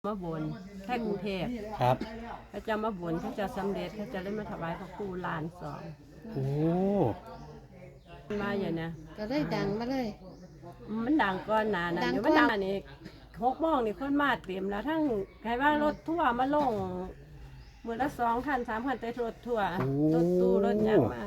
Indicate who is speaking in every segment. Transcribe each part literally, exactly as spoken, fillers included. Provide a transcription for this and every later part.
Speaker 1: มาบนแค่กรุงเทพ
Speaker 2: ครับ
Speaker 1: เขาจะมาบนเขาจะสำเร็จเขาจะได้มาถวายพระครูลานสอง
Speaker 2: โอ้
Speaker 1: มาอย่างนี้
Speaker 3: ก็ได้ดังมาเลย
Speaker 1: มันดังก่อนหนานะอยู่มันดังนี่หกโมงนี่คนมาเต็มแล้วทั้งใครว่ารถทั่วมาลงมือละสองคันสามคันแต่รถทั่วรถตู้รถยังมา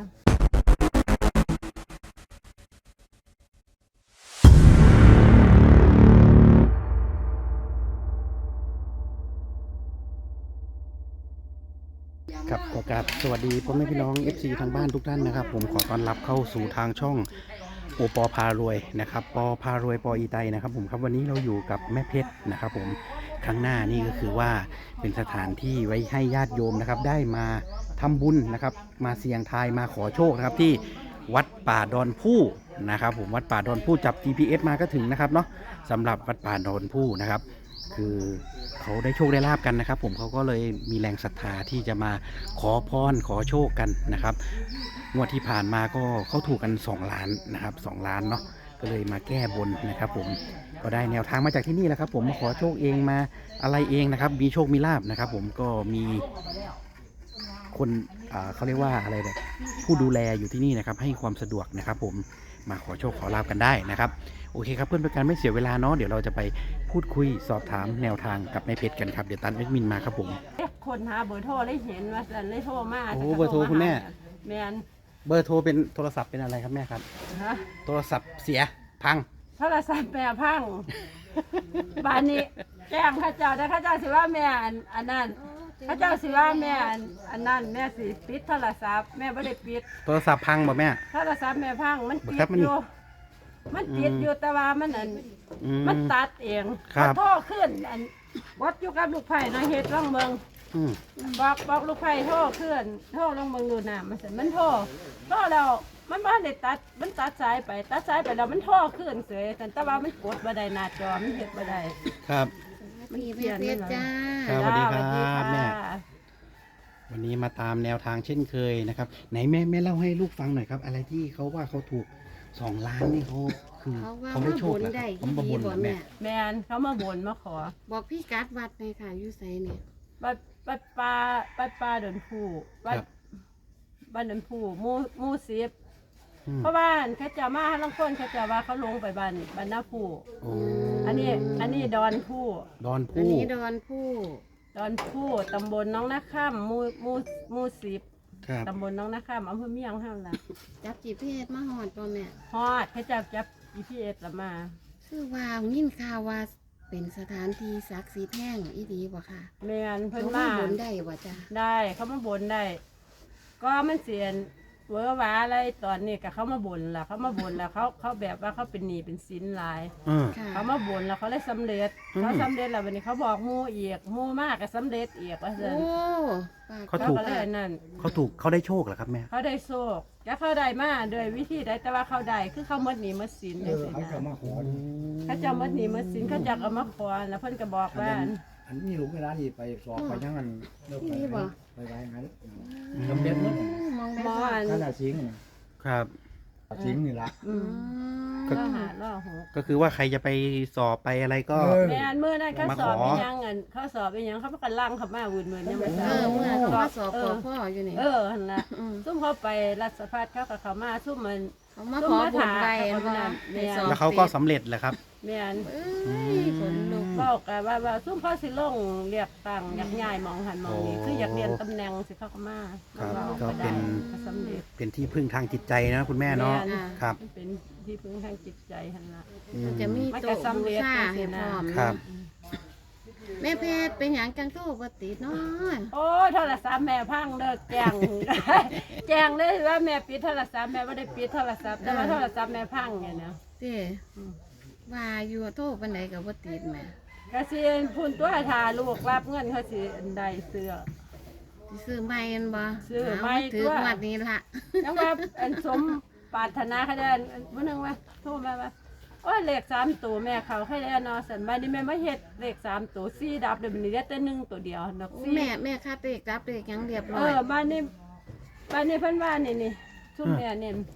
Speaker 2: ครับขอกราบสวัสดีพ่อแม่พี่น้อง เอฟ ซี ทางบ้านทุกท่านนะครับผมขอต้อนรับเข้าสู่ทางช่องโอปอพารวยนะครับปอพารวยปออีไตนะครับผมครับวันนี้เราอยู่กับแม่เพชรนะครับผมข้างหน้านี่ก็คือว่าเป็นสถานที่ไว้ให้ญาติโยมนะครับได้มาทำบุญนะครับมาเสี่ยงทายมาขอโชคนะครับที่วัดป่าดอนผู้นะครับผมวัดป่าดอนผู้จับ จี พี เอส มาก็ถึงนะครับเนาะสำหรับวัดป่าดอนผู้นะครับคือเขาได้โชคได้ลาบกันนะครับผมเขาก็เลยมีแรงศรัทธาที่จะมาขอพรขอโชคกันนะครับงวดที่ผ่านมาก็เขาถูกกันสองล้านนะครับสองล้านเนาะก็เลยมาแก้บนนะครับผมก็ได้แนวทางมาจากที่นี่แหละครับผมมาขอโชคเองมาอะไรเองนะครับมีโชคมีลาบนะครับผมก็มีคนเขาเรียกว่าอะไรเนี่ยผู้ดูแลอยู่ที่นี่นะครับให้ความสะดวกนะครับผมมาขอโชคขอลาบกันได้นะครับโอเคครับเพื่อนเป็นการไม่เสียเวลาเนาะเดี๋ยวเราจะไปพูดคุยสอบถามแนวทางกับนายเพชรกันครับเดี๋ยวตันเอ็ดมินมาครับผม
Speaker 1: คนหาเบอร์โทรได้เห็นว่าสันได้โทรมา
Speaker 2: โอ้เบอร์โทรคุณแม่
Speaker 1: แมน
Speaker 2: เบอร์โทรเป็นโทรศัพท์เป็นอะไรครับแม่ครับ
Speaker 1: ฮะ
Speaker 2: โทรศัพท์เสียพัง
Speaker 1: โทรศัพท์แม่พังบ้านนี้แจ้งข้าเจ้าแต่ข้าเจ้าสิว่าแม่อันนั้นข้าเจ้าสิว่าแม่อันนั้นแม่สิปิดโทรศัพท์แม่ไม่ได้ปิด
Speaker 2: โทรศัพท์พังบ่แม่
Speaker 1: โทรศัพท์แม่พังมันติดอยู่มันติดอยู่แต่ว่ามันอันมันตัดเองโทรขึ้นอันวัดอยู่กับลูกไผ่นะเฮ็ดร่องเมืองบอกบอกลูกไผ่โทรขึ้นโทรลงเมืองดูน้ำมันเสร็จมันโทรโทรแล้วมันบ้านได้ตัดมันตัดสายไปตัดสายไปแล้วมันโทรขึ้นเสยแต่ว่ามันกดบ่ได้หน้าจอมันเฮ็ดบ่ได้
Speaker 2: ครับ
Speaker 3: มันเปลี่ยนเลยจ้า
Speaker 2: สวัสดีครับแม่วันนี้มาตามแนวทางเช่นเคยนะครับไหนแม่แม่เล่าให้ลูกฟังหน่อยครับอะไรที่เขาว่าเขาถูกสองล้านนี่เขาคือเขาได้โชคแล้วเขามาบนแม่
Speaker 1: แม่เขามาบนมาขอ
Speaker 3: บอกพี่กัดวัดเลยค่ะอยู่ไสเนี่ย
Speaker 1: วัดวัดป่าวัดป่าดอนผู้วัดบ้านดอนผู้มูมูสิบเพราะว่าเขาจะมาลังคนเขาจะว่าเขาลงไปบ้านบ้านหน้าผู้อันนี้อันนี้ดอนผู้
Speaker 2: ดอนผู้
Speaker 3: อันนี้ดอนผู้
Speaker 1: ดอนผู้ตำบลน้องนาข้ามมูมูมูสิบตำบลน้องนาข้ามอำเภอเมียงห้ามละ
Speaker 3: จับจีพีเอสมาหอดป่ะแม่
Speaker 1: ฮอดเขาจับจับจีพีเอสละมา
Speaker 3: คือว่ายินข่าวว่าเป็นสถานที่ศักดิ์สิทธิ์แห่งอีดีบ่ค่ะ
Speaker 1: แม่นเพิ่น
Speaker 3: มาบนได้บ่จ้ะ
Speaker 1: ได้เขามาบนได้ก็มันเสียนเวอร์ว้าอะไรตอนนี้ก็เขามาบ่นแล้วเขามาบ่นแล้วเขาเขาแบบว่าเขาเป็นหนี้เป็นสินหลายเขามาบ่นแล้วเขาได้สำเร็จเขาสำเร็จแล้ววันนี้เขาบอกมู่อีกมู่มากก็สำเร็จอีกว่าเสร็จ
Speaker 2: เขาถูก
Speaker 1: นั่น
Speaker 2: เขาถูกเขาได้โชคเหรอครับแม่
Speaker 1: เขาได้โชคแล้วเขาได้มาโดยวิธีใดแต่ว่าเขาได้คือเขาหมดหนี้หมดสินเลยสินะเขาจะหมดหนี้หมดสินเขาจะเอามาขอแล้วเพิ่นก็บอกว่า
Speaker 4: อันนี้ลูกเวลานี่ไปสอบไปยังงันเลิกไปไปไปงั้น
Speaker 1: จำเป็นมั้งมอ
Speaker 4: นนั่นแหละสิง
Speaker 2: ครับ
Speaker 4: สิงนี่ละ
Speaker 1: ก็หาล่อหก
Speaker 2: ก็คือว่าใครจะไปสอบไปอะไรก็
Speaker 1: แม่เมื่อนั้นเขาสอบเป็นยังเงินเขาสอบเป็นยังเขาประกันล่างเขามาวุ่นเหมือนยังไม่ทราบ
Speaker 3: เออเมื่อเขาสอบพ่ออยู่นี่
Speaker 1: เออหันละซุ่มเขาไปรัฐพัฒน์เขากับเขามาซุ่มมัน
Speaker 3: เขามาขอบุญไป
Speaker 2: แล้วเขาก็สำเร็จแหละครับ
Speaker 1: แม่นบอกกันว่าว่าซุ่มพ่อสิลงเรียกตังอยากย้ายมองหันมองนี้คืออยากเรียนตำแหน่งสิเขาก็มา
Speaker 2: ก็เป็นเป็นที่พึ่งทางจิตใจนะคุณแม่เนาะครับ
Speaker 1: เป็นที่พึ่งทางจิตใจหันละ
Speaker 3: จะมีโต๊ะบูชาให้พร้อม
Speaker 2: ครับ
Speaker 3: แม่เพชรเป็นอย่างจังโตปติเนาะ
Speaker 1: โอ้โทรศัพท์แม่พังเลิกแจ้งแจ้งเลยว่าแม่ปิดโทรศัพท์แม่ไม่ได้ปิดโทรศัพท์แต่ว่าโทรศัพท์แม่พังอย่างเนี้ย
Speaker 3: สิว่าอยู่โทษปันไหนกับปติแม่
Speaker 1: กระเซียนพุ่นตัวทาลูกรับเงินเขาสิได้เสื้อ
Speaker 3: ซื้อใหม่กันบ่
Speaker 1: ซื้อใหม่
Speaker 3: ถือวัดนี้ละ
Speaker 1: ยังว่าอันสมปรารถนาเขาได้วันนึงว่าโทรมาว่าโอ้เลขสามตัวแม่เขาให้แล้วนอสันบ้านนี้แม่ไม่เฮ็ดเลขสามตัวสี่ดับเดี๋ยวมันเหลือแต่หนึ่งตัวเดียวดอกสี่
Speaker 3: แม่แม่คาเลขดับเลขยังเรียบร้อย
Speaker 1: เออบ้านนี้บ้านนี้เพิ่นว่านี่นี่ชุ่มแม่เนี่ย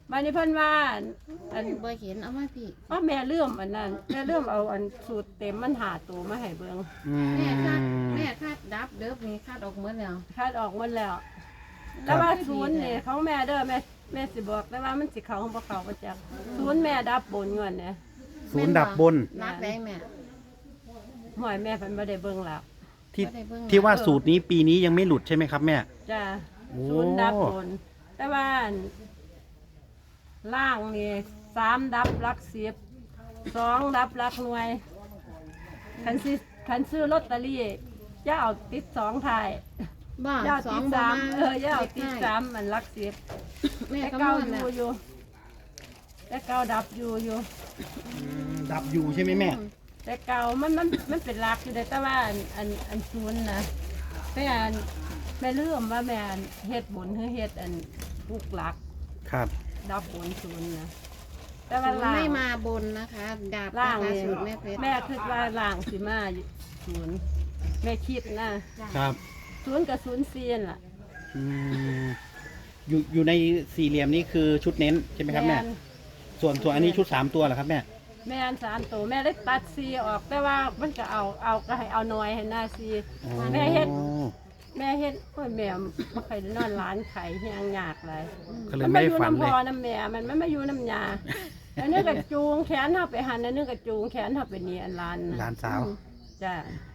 Speaker 1: บัดนี้เพิ่นว่าอัน
Speaker 3: บ่เห็นเอามาพี่
Speaker 1: ว่าแม่เลื่อมอันนั้นแม่เลื่อมเอาอันสูตรเต็มมันหาตัวมาให้เบิ่ง
Speaker 2: อืม
Speaker 3: แม่คาดแม่คาดดับเด้อนี่คาดออกหมดแล้ว
Speaker 1: คาดออกหมดแล้ว แต่ว่าศูนย์นี่ของแม่เด้อแม่แม่สิบอกแต่ว่ามันสิเข้าของบ่เข้าบ่จักศูนย์แม่ดับบนเงินเนี่ย
Speaker 2: ศูนย์ดับบน
Speaker 3: รักได้แม่
Speaker 1: หอยแม่เพิ่นบ่ได้เบิ่งแล้ว
Speaker 2: ที่
Speaker 3: บ่ได้เบิ่ง
Speaker 2: ที่ว่าสูตรนี้ปีนี้ยังไม่หลุดใช่ไหมครับแม่
Speaker 1: จ้า
Speaker 2: โอ้
Speaker 1: ศูนย์ดับบน แต่ว่าอันล่างนี่สามดับหลักสิบสองดับหลักหน่วยคันสิคันซื้อลอตเตอรี่จะเอาติดสองท้าย
Speaker 3: บ่
Speaker 1: จะเอา
Speaker 3: สอ
Speaker 1: ติ
Speaker 3: ง
Speaker 1: ด
Speaker 3: บ่
Speaker 1: สาม
Speaker 3: มา
Speaker 1: เออจะเอาติดสามมันหลักสิบ
Speaker 3: แม่
Speaker 1: แต่
Speaker 3: ก็
Speaker 1: เก้า
Speaker 3: มา
Speaker 1: อ
Speaker 3: แล้ว
Speaker 1: ยู่อยู่แต่เก้าดับอยู่อยู่
Speaker 2: ดับอยู่ใช่ไหมแม่
Speaker 1: แต่เก่ามันมันมันเป็นหลักอยู่แต่ว่าอันอันอันศูนย์นะแม่อันแม่เลื่อมว่าแม่อันเฮ็ดบุญคือเฮ็ดอันลูกหลัก
Speaker 2: ครับ
Speaker 1: ดับบุญศูนย์นะแต่ว่า
Speaker 3: ศูนย์
Speaker 1: ล่าง
Speaker 3: ไม่มาบนนะคะ ดาบ
Speaker 1: ล่าง
Speaker 3: นะคะ
Speaker 1: นี่
Speaker 3: สูตรแม่เพชร
Speaker 1: แม่คิดว่าล่างสิมาศูนย์แม่คิดนะครับ ศูนย์กับศูนย์เซียนล่ะ
Speaker 2: อืมอยู่อยู่ในสี่เหลี่ยมนี้คือชุดเน้นใช่ไหมครับแม่
Speaker 1: น
Speaker 2: ส่วนส่วนอันนี้ชุดสามตัวเหรอครับแม่
Speaker 1: แม่อันสามตัวแม่ได้ตัดซีออกแต่ว่ามันก็เอาเอาก็ให้เอาน้อยให้หน้าซี
Speaker 2: อ๋อ
Speaker 1: แม่เฮ็ด แม่เฮ็ดโอ้ยแม่บ่เคยได้นอนร้านไข่เฮียงยากเลย
Speaker 2: ก็เลยไม่ได้ฝัน
Speaker 1: มั
Speaker 2: เลย
Speaker 1: มาอยู่น้ำพอน้ำแม่มันไม่มาอยู่น้ำยาอันนี้ก็จูงแขนเฮาไปหันอันนี้ก็จูงแขนเฮาไปนี่อันร้าน
Speaker 2: หลานสาว
Speaker 1: จ้ะ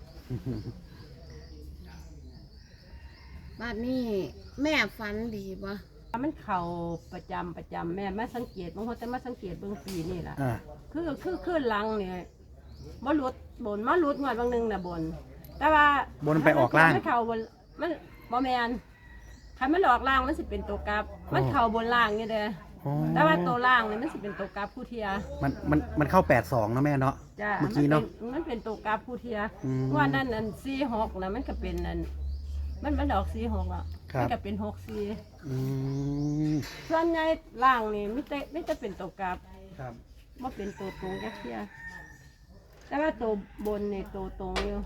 Speaker 3: บ้านนี้แม่ฝันดีบ่
Speaker 1: มันเข่าประจำประจำแม่มาสังเกตบางคนแต่มาสังเกตเบื้องปีนี่แหละ
Speaker 2: อ่า
Speaker 1: คือคือขึ้นหลังเนี่ยมาลุดบนมาลุดงวดบางหนึงน่ะบน แต่ว่า
Speaker 2: บนไปออกล่าง
Speaker 1: มันเข่าบนมันบ่แมนคันมันออกล่างมันสิเป็นตัวกลับ มันเข่าบนล่างนี่เด้อ
Speaker 2: อ๋อ
Speaker 1: แต่ว่าตัวล่างเนี่ยมันสิเป็นตัวกราฟผู้เทีย
Speaker 2: มันมันมันเข้าแปดสองนะแม่เนาะ
Speaker 1: จ้า
Speaker 2: เมื่อกี้เนาะ
Speaker 1: มันเป็นตัวกราฟผู้เทีย
Speaker 2: อืม
Speaker 1: ว่านั่นอันสี่หกนะมันก็เป็นอันมันมันดอกสี่หกอ่ะ
Speaker 2: ครับ
Speaker 1: มันก็เป็นหกสี่
Speaker 2: อืม
Speaker 1: ส่วนใหญ่ล่างนี่ไม่แต่ไม่จะเป็นตัวกราฟ
Speaker 2: ครับ
Speaker 1: ว่าเป็นตัวตรงแค่เทียแต่ว่าตัวบนนี่ตัวตรงอยู่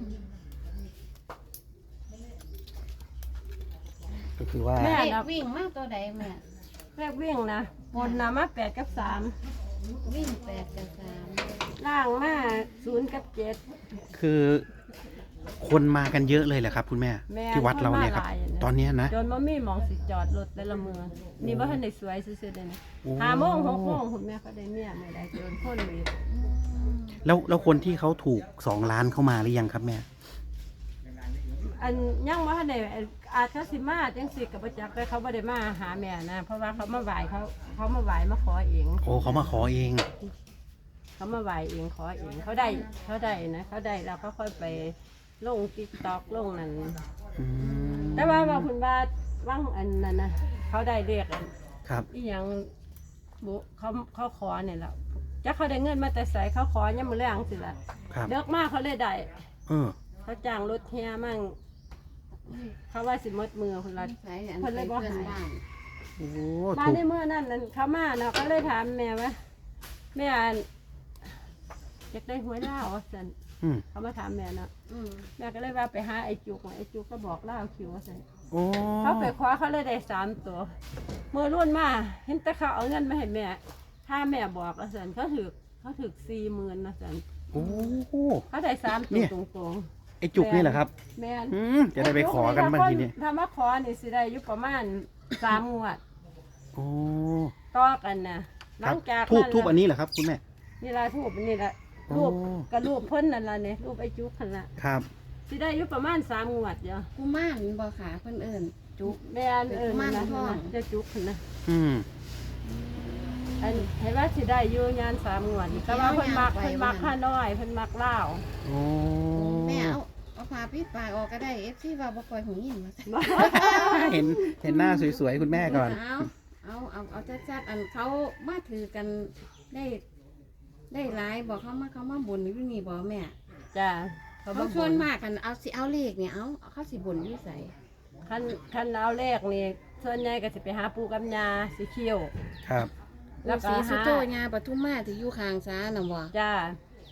Speaker 2: ก็คือว่า
Speaker 1: แม่
Speaker 3: เด็ก
Speaker 1: นะ
Speaker 3: วิ่งมาตัวใดแม่
Speaker 1: แรกวิ่งนะบนนะมาแปดกับสาม
Speaker 3: วิ่งแปดกับสาม
Speaker 1: ล่างมาศูนย์กับเจ็ด
Speaker 2: คือคนมากันเยอะเลยแหละครับ คุณแม่
Speaker 1: แม่
Speaker 2: ที่วัดเราเนี่ยครับ
Speaker 1: คนมาหลายนะ
Speaker 2: ตอนเนี้ยนะ
Speaker 1: จนมามีหมองสิจอดรถแต่ละมือนี่ว่าท่านได้สวยซื่อๆเลยนะ
Speaker 2: โอ้
Speaker 1: ห้าโมงหกโมงคุณแม่เขาได้เมียไม่ได้เกินคนเลย
Speaker 2: แล้วแล้วคนที่เขาถูกสองล้านเข้ามาหรือยังครับแม่
Speaker 1: อันยังว่าท่านได้อาจจะสิมาจังสิกับประจักษ์แต่เขาไม่ได้มาหาแม่นะเพราะว่าเขามาไหวเขาเขามาไหวมาขอเอง
Speaker 2: โอ้เขามาขอเอง
Speaker 1: เขามาไหวเองขอเองเขาได้เขาได้นะเขาได้แล้วเขาค่อยไปลงติ๊กต็อกลงนั่น
Speaker 2: อืม
Speaker 1: แต่ว่าว่าคุณว่าว่างอันนั้นนะเขาได้เรียกอัน
Speaker 2: ครับ
Speaker 1: อีหยังบุเขาเขาขอเนี่ยแหละจะเขาได้เงินมาแต่ใส่เขาขอยังมือแรงสิละ
Speaker 2: ครับ
Speaker 1: เลิกมากเขาเลยได้
Speaker 2: เออ
Speaker 1: เขาจ้างรถเฮียมั่งเขาว่าสิหมดมือคนละ
Speaker 3: ใส่อัน
Speaker 1: เพิ่นเลยบ่
Speaker 3: เพื่อน
Speaker 1: หาย
Speaker 3: บ้าน
Speaker 2: โอ้
Speaker 1: มา
Speaker 2: ถูก
Speaker 1: ในเมื่อนั่นนั่นเขามาเนาะก็เลยถามแม่ว่าแม่อันอยากได้หวยเล่าวว่าสัน
Speaker 2: อืม
Speaker 1: เขามาถามแม่เนาะ
Speaker 3: อืม
Speaker 1: แม่ก็เลยว่าไปหาไอ้จุกไอ้จุกก็บอกเล่าวคิวว่าสัน
Speaker 2: โอ้
Speaker 1: เขาไปคว้าเขาเลยได้สามตัวมือรุ่นมาเห็นแต่เขาเอาเงินมาให้แม่ ถ้าแม่บอกว่าสันเขาถือเขาถือสี่หมื่นนะสัน
Speaker 2: โอ้
Speaker 1: เขาได้สาม
Speaker 2: เนี่
Speaker 1: ตัวย ตรง
Speaker 2: ไอจุกนี่แหละครับ
Speaker 1: ๆแม่น
Speaker 2: อืมจะได้ไปขอกันบ้างทีนี้
Speaker 1: ถ้ามาขอนี่สิได้อยู่ประมาณสามงวด
Speaker 2: โอ้
Speaker 1: ต่อกันนะห
Speaker 2: ค
Speaker 1: ลั
Speaker 2: รับ
Speaker 1: งจาก
Speaker 2: ทูบ
Speaker 1: นั้น
Speaker 2: ทูบอันนี้เหรอครับคุณแม่
Speaker 1: นี่ละทูบนี่ละ
Speaker 2: โอ้
Speaker 1: รูปกับรูปเพิ่นนั่นละเนี่ยรูปไอ้จุกนั่นละ
Speaker 2: ครับ
Speaker 1: สิได้อยู่ประมาณสามงวดเดียว
Speaker 3: กุมารบ่ขาเพิ่นเอิ้นจุก
Speaker 1: แม่นเออนั่นละ
Speaker 3: เป็นกุมารทอง
Speaker 1: เจะจุกนั่นนะ
Speaker 2: อืม
Speaker 1: อันเห็นว่าสิได้อยู่งานสามงวดแต่ว่าเพิ่นมักเพิ่นมักข้าน้อยเพิ่นมักเล่าว
Speaker 2: โอ้
Speaker 3: แม่เอาเอาผ้าปิดปากออกก็ได้ เอฟซีว่าบ่ค่อยหูยินว่าซั่น
Speaker 2: เห็นเห็นหน้าสวยๆคุณแม่ก่อน
Speaker 3: เอาเอาเอาเอาชัดๆอันเขามาถือกันได้ได้หลายบอกเขามาเขามาบ่นอยู่นี่บ่แม่
Speaker 1: จ้า
Speaker 3: เขาชวนมากกันเอาสิเอาเลขเนี่ยเอาเอาเขาสิบ่นอยู่ไส
Speaker 1: คันคันเอาแรกนี่ส่วนใหญ่ก็สิไปหาปูกับยาสีเขียว
Speaker 2: ครับ
Speaker 1: แล้วก็
Speaker 3: สีสุ
Speaker 1: หา
Speaker 3: โตญาปทุมมาที่อยู่ข้างศาลน่ะบ่
Speaker 1: จ้า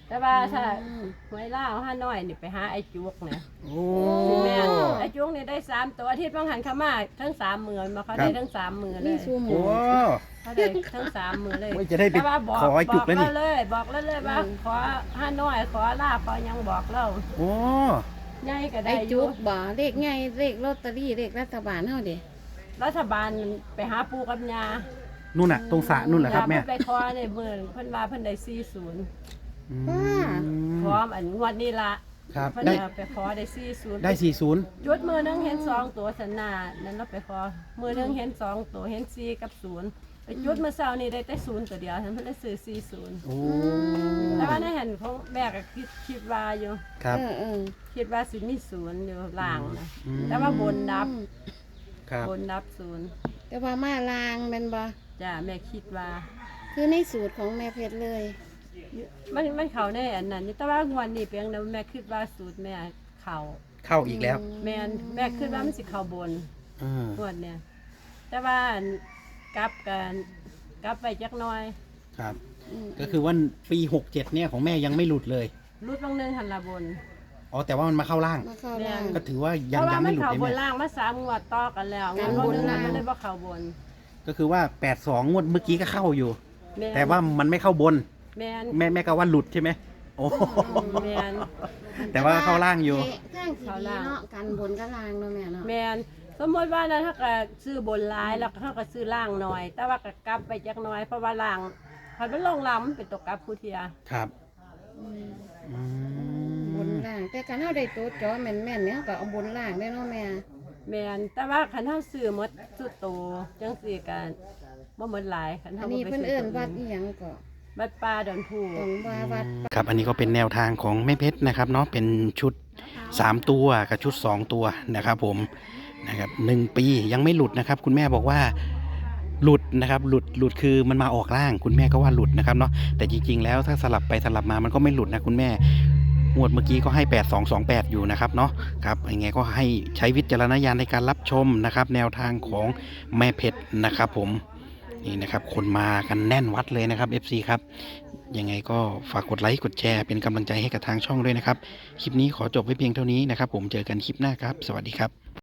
Speaker 1: แต่ว่าถ้า
Speaker 3: อืม
Speaker 1: หวยล่าวห้าน้อยนี่ไปหาไอ้จุกเนี่ย
Speaker 2: โอ้
Speaker 1: แม่นไอ้จุกนี่ได้สามตัวอาทิตย์บางหันเขามาทั้งสามหมื่นมาเขาได้ทั้งสามหมื่นเล
Speaker 3: นี่
Speaker 1: ย
Speaker 3: ซูหมู
Speaker 2: โอ้
Speaker 1: เขาได้ทั้งสามหมื่นเลย
Speaker 2: โอ้ยจะได้ไป
Speaker 1: แต่ว่าบอก
Speaker 2: ขอไอ้จุกแล้วนี่
Speaker 1: บอกเราเลยบอกแล้วเลยว่าขอห้าน้อยขอลาบขอยังบอกเรา
Speaker 2: โอ้
Speaker 1: ใหญ่ก็ได้
Speaker 3: ไอ้
Speaker 1: อ
Speaker 3: จุ
Speaker 1: ยู่
Speaker 3: กบ่เลขใหญ่เลขลอตเตอรี่เลขรัฐบาลเฮาเด้
Speaker 1: รัฐบาลไปหาปูกับยา
Speaker 2: นู่นน่ะตรงสระนู่นเหรอครับแม่
Speaker 1: ยาเพิ่นไปขอในเมืองเพิ่นว่าเพิ่นได้สี่ศูนย์
Speaker 2: อืม
Speaker 1: พร้อมอันงวดนี้ละ
Speaker 2: ครับ
Speaker 1: เพิ่น
Speaker 2: ได้
Speaker 1: เอาไปขอได้สี่ศูนย์
Speaker 2: ได้สี่ศูนย์
Speaker 1: จุดมือหนึงเห็นสองตัวสันนานั้นเราไปขอมือหนึงเห็นสองตัวเห็นสี่กับศูนย์ไปจุดมือเช้านี่ได้แต่ศูนย์ตัวเดียวฉันเพิ่นได้ซื้อสี่ศูนย์
Speaker 2: โอ้
Speaker 1: แต่ว่าในเห็นของแม่ก็คิดคิดว่าอยู่
Speaker 2: ครับ
Speaker 3: เออเออ
Speaker 1: คิดว่าสิมีศูนย์อยู่ล่างนะ
Speaker 2: อืม
Speaker 1: แต่ว่าบนนับ
Speaker 2: ครับ
Speaker 1: บนนับศูนย์
Speaker 3: แต่ว่ามาลางแม่นบ่
Speaker 1: จ้าแม่คิดว่า
Speaker 3: คือในสูตรของแม่เพชรเลย
Speaker 1: มันมันเข้าในอันนั้นอยู่แต่ว่างวดนี้เพียงแต่แม่คิดว่าสูตรแม่เข้า
Speaker 2: เข้าอีกแล้ว
Speaker 1: แม่นแม่คิดว่ามันสิเข้าบน
Speaker 2: อ่าง
Speaker 1: วดเนี่ยแต่ว่าอันกลับกันกลับไปจักหน้อย
Speaker 2: ครับ
Speaker 3: อืม
Speaker 2: ก็คือว่าปีหกเจ็ดเนี่ยของแม่ยังไม่หลุดเลย
Speaker 1: รุดลงหนึงหันละบน
Speaker 2: อ๋อแต่ว่ามันมาเข้าล่าง
Speaker 3: มาเข้าล่าง
Speaker 2: ก็ถือว่า
Speaker 1: เพ
Speaker 2: ยัง
Speaker 1: ราะว่า
Speaker 2: ยัง
Speaker 1: มั
Speaker 2: ไม่
Speaker 1: น
Speaker 2: หลุด
Speaker 1: เข้า
Speaker 2: เลย
Speaker 1: บน
Speaker 2: แม่
Speaker 1: ล่างมาสามงวดต่อกันแล้วง
Speaker 3: กาว ร
Speaker 1: ด
Speaker 3: บน
Speaker 1: นึง
Speaker 3: ล่าง
Speaker 1: มันเลยบ่เข้าบน
Speaker 2: ก็คือว่าแปดสองงวดเมื่อกี้ก็เข้าอยู่
Speaker 1: แม่น
Speaker 2: แต่ว่ามันไม่เข้าบน
Speaker 1: แม่น
Speaker 2: แม่แม่ก็ว่าหลุดใช่ไหมโอ้
Speaker 1: แม่น
Speaker 2: แต่ว่าเข้าล่างอยู่
Speaker 3: ทางที่ดีเนาะกันบนกับล่างเนาะแม่เนาะ
Speaker 1: แม่นสมมติว่านั้นถ้าก็ซื้อบนหลายแล้วเขาก็ซื้อล่างหน่อย แต่ว่าก็กลับไปจักหน้อยเพราะว่าล่างพอมันลงล่างมันเป็นตกกลับผู้เทีย
Speaker 2: ครับ
Speaker 3: อืม
Speaker 2: อื
Speaker 3: บน
Speaker 2: ม
Speaker 3: ล่าง แต่การเฮาได้ตัวจอแม่นๆเนี่ยก็เอาบนล่างได้เนาะแม่
Speaker 1: แม่นแต่ว่าคันเฮาซื้อหมดสุดโตจังซี่กันบ่หมดหลายคัน
Speaker 3: อั
Speaker 1: เฮาน บ่
Speaker 3: นี้
Speaker 1: ไป
Speaker 3: เพิ่น
Speaker 1: ซื้
Speaker 3: เอิ้
Speaker 1: อน ตัว
Speaker 3: วัด
Speaker 1: อื่
Speaker 3: อี
Speaker 1: น
Speaker 3: หยังก็
Speaker 1: วัดป่าดอนผู้
Speaker 3: ตรงว่าวัด
Speaker 2: ครับอันนี้ก็เป็นแนวทางของแม่เพชรนะครับเนาะเป็นชุดสามตัวกับชุดสองตัวนะครับผมนะครับหนึ่งปียังไม่หลุดนะครับ คุณแม่บอกว่าหลุดนะครับหลุดหลุดคือมันมาออกล่าง คุณแม่ก็ว่าหลุดนะครับเนาะแต่จริงๆแล้วถ้าสลับไปสลับมามันก็ไม่หลุดนะคุณแม่งวดเมื่อกี้ก็ให้แปดสองสองแปดอยู่นะครับเนาะครับยังไงก็ให้ใช้วิจารณญาณในการรับชมนะครับ แนวทางของแม่เพชรนะครับผมนี่นะครับคนมากันแน่นวัดเลยนะครับ เอฟ ซี ครับยังไงก็ฝากกดไลค์กดแชร์เป็นกำลังใจให้กับทางช่องด้วยนะครับคลิปนี้ขอจบไว้เพียงเท่านี้นะครับผมเจอกันคลิปหน้าครับสวัสดีครับ